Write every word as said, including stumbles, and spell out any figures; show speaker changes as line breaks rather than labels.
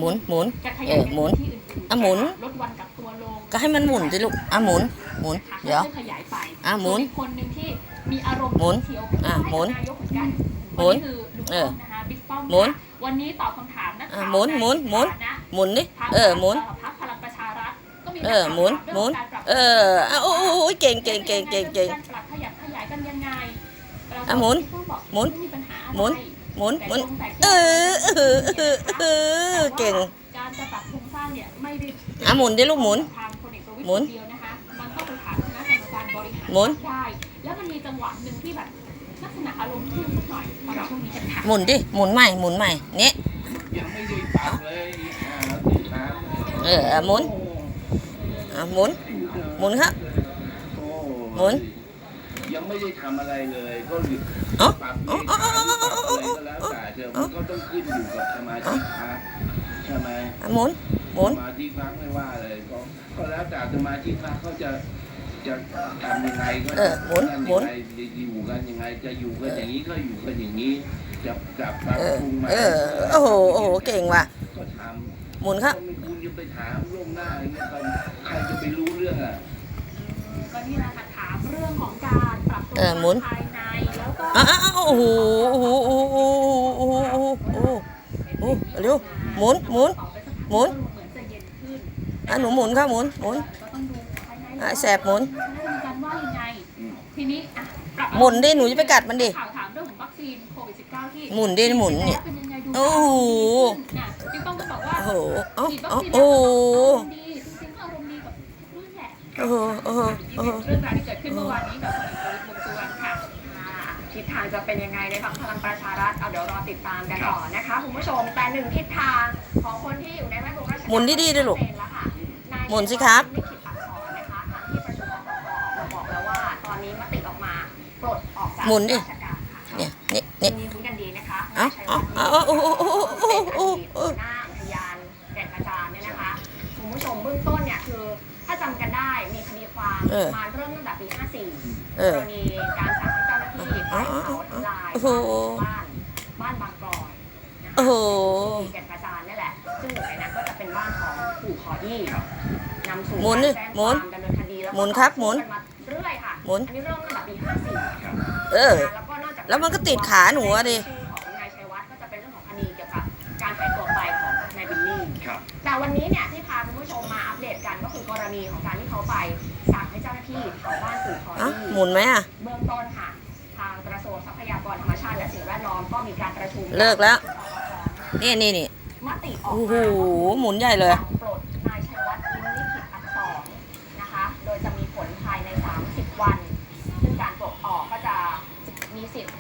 หมุนหมุน
จะข
เอย
าย
อหมุน
ที่อื่นๆ
อ่ะหมุน
ลดวันกักตัวลง
ก็ให้มันหมุนสิลูกอ่ะหมุนหมุน
ค่ะ
เดี๋ยว
ค่อยๆขยายไป
อ่ะหมุน
ส่วนอีกคนหนึ่งที่มีอารมณ์
หมุน
เฉียว
อ่ะหมุน
ให้กับนายกเหมือนกัน
หมุน
วันนี้คือลุง
เอ
ป้อ
อ
มนะคะบิ๊กป้อม
หมุน
ค่ะวันนี้ตอบคำถามนัก
อ่ะ
ข่าว
หมุนหมุนหมุน
ใฐานะ
หมุนดิ
ทาง
เออหมุน
พรรคพลังประชารัฐก็มี
เอ
นัก
อ
ข่าว
หมุน
ถาม
หมุน
เรื่องการปรับ
เอออ่ะโอ้โหเก่งเก่งเก่งเก่งเก่ง
การปรับขยับขยายกันยังไง
อ่ะหมุน
บิ๊กป้อบอก
หมุน
ไมีปัญหาอะไร
หมุนหมุนหมุน
แต่
เอ
โครงแต่
อ
แก้
เออเออเออเก่ง
การจะปรับโครงสร้างเนี่ยไม่ได้
อ่ะหมุนดิลูกหมุน
ทางพลเอกประวิตร
หมุน
คนเดียวนะคะมันต้องไปถามคณะกรรมการบริหาร
หมุน
ได้ แล้วมันมีจังหวะหนึ่งที่แบบลักษณะอารมณ์ขึ้นสักหน่อยตอนช่วงนี้กันค่ะ
หมุนดิหมุนใหม่หมุนใหม่เนี่ย
ยังไม่ได้ปรับเลยอ่าติดตาม
เอออ่ะหมุนอ่ะหมุนหมุนครับ
โอ้
หมุน
ยังไม่ได้ทำอะไรเลยก็หยุด
เอ้า
ปรับ
เอ้า
เอง
เอ้าเอ้า
ปรับ
เอ้า
อะไรก็แล้วแต่เถอะมันก็ต้องขึ้นอยู่กับสมาชิกพรรคใช่ไหม
อ่ะหมุนหมุน
สมาชิกพรรคไม่ว่าเลยก็ก็แล้วแต่สมาชิกพรรคเขาจะจะทำยังไงก็
เออหมุน
จะ
หมุน
ยังไงจะอยู่กันยังไงจะอยู่กันอย่างนี้ก็อยู่กันอย่างนี้จะจะปรับ
เออ
ปรุงมา
เออโอ้โหโอ้โหเก่งว่ะ
ก็ทำ
หมุนครับ
คุณจะไปถามล่วงหน้าอย่างเงี้ยใครจะไปรู้เรื่องอ่ะ
ก็นี่แหละค่ะถามเรื่องของการปรับโครง
เอ
ส
อหมุ
ร้าน งภายในแล้วก็
อ่ะอ่ะอ่ะโอ้โหโอ้โหโอ้โหโอ้โหโอ้โหโอ้โหโอ้โหเร็วหมุนหมุน หมุน
เหมือนจะเย็นขึ้น
อ่ะหนูหมุนครับหมุนหมุน
ก็ต้องดูภายใน
อ่ะแสบหมุน
คณะกรรมการว่ายังไง ทีนี้อ่ะปรับ
หมุนดิหนูจะไปกัดมันดิ
ข่าวถามเรื่องของวัคซีนโควิด สิบเก้า ที่
หมุนดิหมุนเนี่ย
เป็นยังไงดู
โอ้โห
น่ะจึงต้องบอกว่า
โอ้โหเอ้า
ฉีดวัค
เอ้า
ซีน
โอ้โห
แล้วอารมณ์ดีจริงๆก็อารมณ์ดีกับเรื่องแหละ
โอ้โหโอ้โหโอ้โห
เรื่องราวที่เกิดขึ้นเมื่อวานนี้กับพลเอกประวิตรวงษ์สุวรรณค่ะ
อ่าทิศทางจะเป็นยังไงในฝั่งพลังประชารัฐเอาเดี๋ยวรอติดตามกันต่อนะคะคุณผู้ชมแต่หนึ่งทิศทางของคนที่อยู่ในแวดวงราชการ
หมุนดีๆด้วยลูก
ชัเจนแล้วค่ะนาย
หมุนสิครับ
ลิขิตอักษรนะคะทางที่ประชุมอบตออกมาบอกแล้วว่า ตอนนี้มติออกมาปลดออกจาก
หมุนดิ
ราชการค่ะ
เนี่ยเนี่ย
ที
เนี่ย
นี้คุ้นกันดีนะคะ
เอ้าเอ้าเอ้าโอ้โหโอ้โหโอ้โหโอ้โห
เป็นอดีตหัวหน้าอุทยานแก่งกระจานเนี่ยนะคะคุณผู้ชมเบื้องต้นเนี่ยคือถ้าจำกันได้มีคดีความ
เออ
มาเริ่มตั้งแต่ปี ห้าสี่
เอก อ
รณีการสั่งให้เจ้าหน้าที่ไปเผาทำลาย
โอ้โห
บ้านบ้านบางกรอยนะคะ
โอ้โห
ที่แก่นกระจานนี่แหละ ซึ่งหนึ่งในนั้นก็จะเป็นบ้านของปู่ขอยี่นำสู่
หมุนดิ
การแจ้ง
หมุ
ควาน มดำเนินคดีแล้วก็
หมุนครับหมุน
กันมาเรื่อยค่ะ
หมุน
อันนี้เริ่มตั้งแต่ปี ห้าสี่
เออ
แล้วก็นอกจาก
แล้วมันก็ติดขาหนูอะดิ
ชื่อของนายชัยวัฒน์ก็จะเป็นเรื่องของคดีเกี่ยวกับการหายตัวไปของนายบิลลี่
ครับ
แต่วันนี้เนี่ยที่พาคุณผู้ชมมาอัปเดตกันก็คือกรณีของการที่เขาไปสั่งให้เจ้าหน้าที่เผาบ้านปู่ขอ
อ่ะ
ยี่
หมุนไหมอ่ะ
เบื้องต้นค่ะ ทางกระทรวงทรัพยากรธรรมชาติและสิ่งแวดล้อมก็มีการประชุม
เลิกแล้ว นี่นี่นี่
มติออก
โอ้โห
มา
หมุนใหญ่เลย
สั่งปลดนายชัยวัฒน์ลิ้มลิขิตอักษรนะคะ โดยจะมีผลภายใน สามสิบ วัน